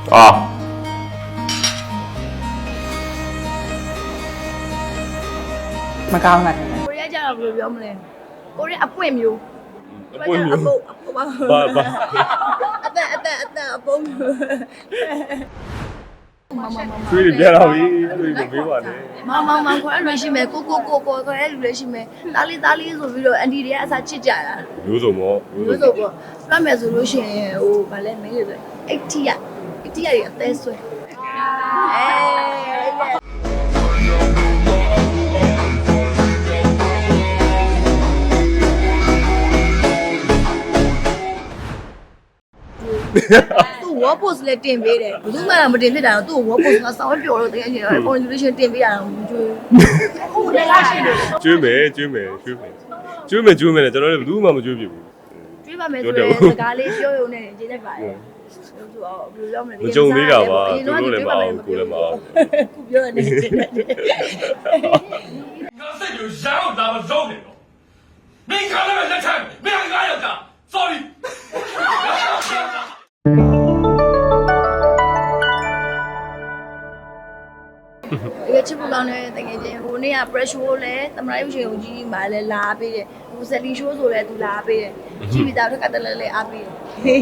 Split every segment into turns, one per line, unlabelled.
မကောင်းတာတယ်
ကိုရီးယားကျတော့ဘယ်လိုပြောမလဲကိုရီးယားအပွင့်မျိုး
အပွင့်မျိုး
ဘာ
ဘာ
အသက်အပုံးမျိုး
ကျွေးပြတော့ပြီကျွေးမပေးပါနဲ့
မခေါ်ရလို့ရှိမယ်ကိုခေါ်ရလူလည်းရှိမယ်သားလေးဆိုပြီးတော့အန်တီတွေကအစားချစ်ကြတာ
မျိုးစုံပေါ့
လို့ဆိုပေါ့ပြမယ်ဆိုလို့ရှိရင်ဟိုဗာလဲမင်းတွေဆိုအိတ်တီရတွေအသေးဆွဲသူ့ wall post လည်းတင်ပေးတယ်ဘယ်သူမှမတင်ဖြစ်တာတော့သူ့ wall post ကစောင်းပျော်လို့တကယ်ကြီး contribution တင်ပေးရအောင်မကြွေးဟုတ်တယ်လားရှိတယ်
ကျွေးမယ်နဲ့ကျွန်တော်လည်းဘယ်သူမှမကျွေးပြဘူး
တွေးပါမယ်ဆိုရင်စကားလေးပြောရုံနဲ့ရေးလိုက်ပါတယ်ဆိုတော့ဘယ်လိုလုပ်မလဲ
မကြုံသေးတာပါသူတို့လည်းမအောင်ကိုလည်းမအောင်
ခုပြောနေတယ်
ငါစိတ်ကိုရောင်းတာမဆုံးနေတော့မင်းခါလည်းလက်ထပ်မင်းငါရောက်တာ sorry
ဒီချစ်ဖို့ကောင်းတဲ့တကယ်ချင်းဟိုနေ့က pressure လည်းသမရိုက်ရှင်ကိုကြီးမှလည်းလာပေးတယ်ဟို selling show ဆိုလည်းသူလာပေးတယ်ကြည့်ပြီးသားထက်ကတည်းကလည်းအားပေးတယ်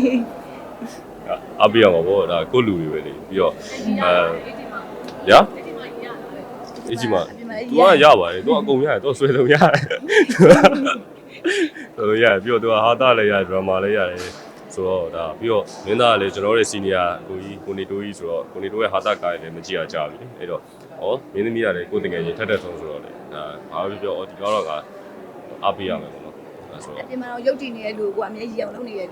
အပြရမှာပေါ့ဒါကိုလူတွေပဲလေပြီးတော့ရအကြီးမ तू ကရပါတယ် तू အကုန်ရတယ် तू ဆွဲဆုံးရတယ်ဆိုရပြီးတော့ तू ဟာတာလည်းရတယ် drama လည်းရတယ်ဆိုတော့ဒါပြီးတော့မင်းသားကလည်းကျွန်တော်တို့ရဲ့ senior ကိုနေတိုးကြီးဆိုတော့ကိုနေတိုးရဲ့ဟာတာကားလည်းမကြည့်ရကြပြီအဲ့တော့ဩမင်းသမီးကလည်းကိုတကယ်ချင်းထက်ဆုံးဆိုတော့လေဒါဘာပဲပြောဒီကတော့ကအပြရမယ်ပေါ့နော်အဲဆိုတော့
ဒီမှာတော့ရုပ်တည်နေတဲ့လူကအမြဲကြီးအောင်လုပ်နေတဲ့လူ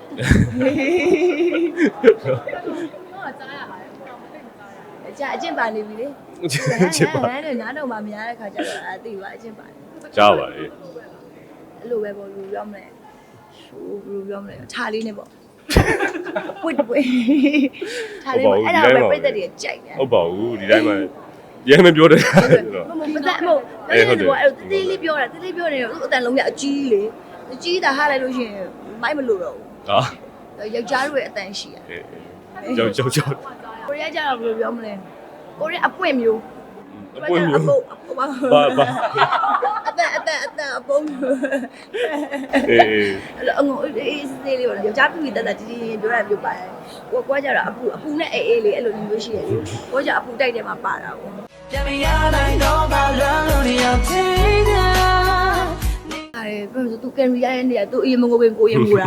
ကြာအကျင့်ပါနေပြီလေနားတော့မှမရတဲ့ခါကျတော့အသိပါအကျင့်ပါနေ
ကြားပါလေ
အဲ့လိုပဲပေါ့လူပြောမလဲဟိုဘယ်လိုပြောမလဲထားလေးနဲ့ပေါ့ပွတ်ထားလေးအဲ့ဒါပဲပြည့်တဲ့တွေကြိုက်တယ်
ဟုတ်ပါဘူးဒီတိုင်းမှာရဲမပြောတဲ့ဆိုတော့
မဟုတ်အဲ့တေးလေးပြောတာတေးလေးပြောနေတော့အတန်လုံးရအကြီးလေအကြီးတာဟားလိုက်လို့ရှိရင်မိုက်မလို့တော့ဘူး
ဟာ
ယောက်ျားတို့ရဲ့အတန်ရှိရ
ကြောက်
ကိုရီးယားကျတော့ဘယ်လိုပြောမလဲကိုရီးယားအပွင့်မျိုး
အပွင့်မျိုး
ဘာ
ဘာ
အသက်အပုံးမျိုး
အေး
အဲ့အငုံအေးစေးလေးပေါ့ယောက်ျားပြပြီးတက်ကြီးပြောတာပြောပါတယ်ကိုကကျတော့အပူနဲ့အေးလေးအဲ့လိုမျိုးရှိရတယ်ကိုကကျအပူတိုက်တယ်မှာပါတာပေါ့ပြန်မရနိုင်တော့ဘာလုံးလို့ရောက်သေးတယ်အဲ့ဘယ်လိုသူကန်ရီရတဲ့နေရာသူအရင်မငိုပင်ကိုရင်ငိုတာ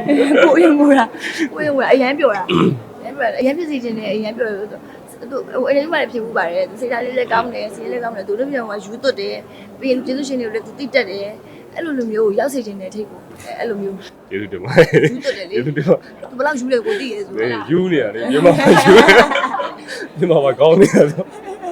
အရန်ပြောတာအရန်ဖြစ်စီခြင်းနဲ့အရန်ပြောတယ်သူအဲ့ဒီမှာလည်းဖြစ်ဘူးပါတယ်စိတ်ဓာတ်လေးလည်းကောင်းတယ်စီးလည်းကောင်းတယ်သူတို့ပြောမှာယူသွတ်တယ်ပြီးရင်ကျေးဇူးရှင်တွေကိုလည်းသူတိတက်တယ်အဲ့လိုမျိုးကိုရောက်စေခြင်းနဲ့ထိတ်ကိုအဲ့လိုမျိုး
ကျေးဇူးတင်ပါ
ယူသွတ်တယ်လေ
ကျေးဇူးတင်ပါ
သူဘယ်လောက်ယူလဲကိုသိရဲဆိုတော့
ယူနေရတယ်မြန်မာယူမြန်မာကောင်းနေတယ်ဆို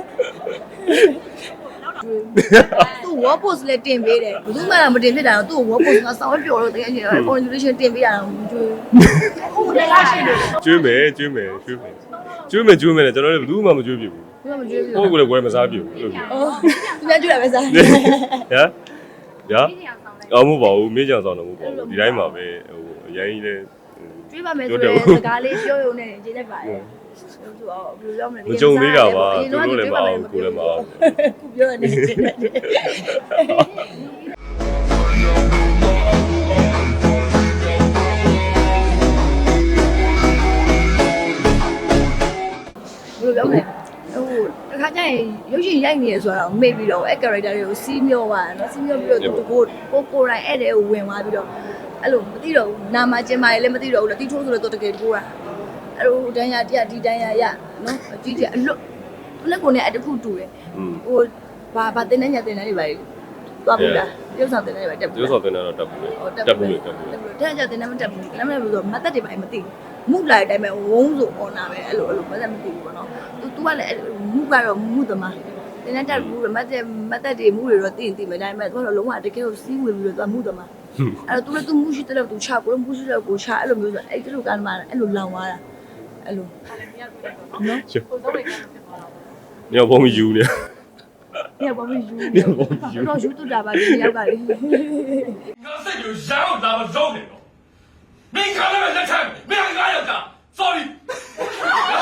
သူ wall post လည်းတင်ပေးတယ်ဘယ်သူမှမတင်ဖြစ်တာတော့သူ့ wall post ကစောင်းပျော်လို့တကယ်ကြီး contribution တင်ပေးရအောင်ကြွေးဟုတ်တယ်လားရှိတယ်
ကျွေးမယ်နဲ့ကျွန်တော်လည်းဘယ်သူမှမကျွေးပြဘူး
ဘယ်မှမကြွေးဘူး
ကိုယ်ကလည်းဝယ်မစားပြဘူးလို့ပြော
အော်သူလည်းကြွေးရပဲစား
ရအောင်မပါဘူးမေးကြအောင်တော့မဟုတ်ပါဘူးဒီတိုင်းမှာပဲဟိုအရင်ကြီးလဲ
ကြွေးပါမယ်ဆိုရင်စကားလေးပြောရုံနဲ့ရေးလိုက်ပါတယ်ဆိုတော့ဘယ်လိုပြောမလဲ
မကြုံသေးတာပါသူတို့လည်းမအောင်ကိုယ်လည်းမအောင်
ခုပြောနေတယ် ဘယ်လိုပြောမလဲဟိုတခါကျရင်ရုပ်ရှင်ရိုက်နေရဆိုတော့မေ့ပြီးတော့အဲ့ character တွေကိုစီးမျောသွားတယ်နော်စီးမျောပြီးတော့သူကိုယ်တိုင်အဲ့တဲ့ကိုဝင်သွားပြီးတော့အဲ့လိုမသိတော့ဘူးနာမကျင်မာရေးလည်းမသိတော့ဘူးလက်တီထိုးဆိုတော့တကယ်ကိုတာအဲ့လိုတန်းရတရဒီတန်းရရနော်အကြီးကြီးအလွတ်လက်ကိုနဲ့အတခုတူတယ်ဟိုဘာတင်းနေညတင်းနေတွေပါသွားပြီလားပြုတ်ဆောင်တင်းနေတွေပါတက်ပြီ
ကျိုးစော်တင်တော့တက်ဘူးတက်ဘူး
တဲ့ကြတင်းနေမတက်ဘူးနားမလဲဘူးဆိုမတက်တွေပါမသိဘူးမုတ်လိုက်တိုင်းပဲဝုန်းဆိုအော်နာပဲအဲ့လိုမသက်မသိဘူးပေါ့နော်သူကလည်းမုကတော့မုသမားတင်းနေတက်ဘူးမတက်တွေမုတွေတော့သိမယ်ဒါပေမဲ့သူကတော့လုံးဝတကယ်ကိုစီးဝင်ပြီးတော့သူမုသမားအဲ့တော့သူမုရှိတဲ့လောက်သူချကိုမုရှိတဲ့လောက်ကိုချအဲ့လိုမျိုးဆိုအဲ့ဒီလိုကမှအဲ့လိုလောင်သွားတာအဲ့လိုနော်
ညောဘုံယူနေ
ညဘာမယူတော့ယူတူတာပါဒီယောက်ကလေ
ငါစိတ်ကိုရောင်းတာမဆုံးနေတော့မင်းခါလည်းလက်ထပ်မင်းငါရောက်တာ sorry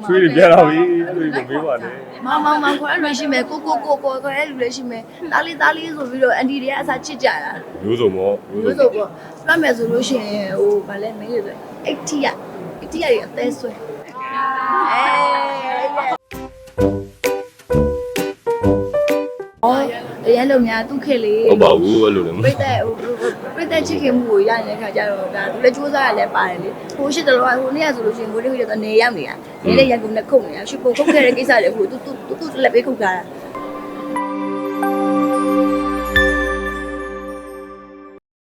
ချွေးတွေပြတော့ပြီအဲ့လိုမမေးပါနဲ့
မောင်ခေါ်ရလို့ရှိမယ်ကိုခေါ်ရလို့လည်းရှိမယ်သားလေးဆိုပြီးတော့အန်တီတွေကအစားချစ်ကြတာ
မျိုးစုံပေါ့
လို့ဆိုပေါ့ပြမယ်ဆိုလို့ရှိရင်ဟိုဗာလဲမင်းတွေဆို80ရတွေအသေးဆွဲအရင်လုံများသူ့ခေလေး
ဟုတ်ပါဘူးအဲ့လိုလည်း
ပြတဲ့ချစ်ခင်မှုကိုရနေတဲ့ခါကျတော့ဒါသူလည်းစူးစမ်းရလဲပါတယ်လေဟိုရှိတယ်လို့ဟိုနေ့ကဆိုလို့ရှိရင်ကိုလေးကတော့နေရောက်နေတာနေတဲ့ရန်ကုန်နဲ့ခုတ်နေတာရှုပ်ပုံခုတ်ခဲ့တဲ့ကိစ္စတွေဟိုသူလက်ပေးခုတ်ထားတာ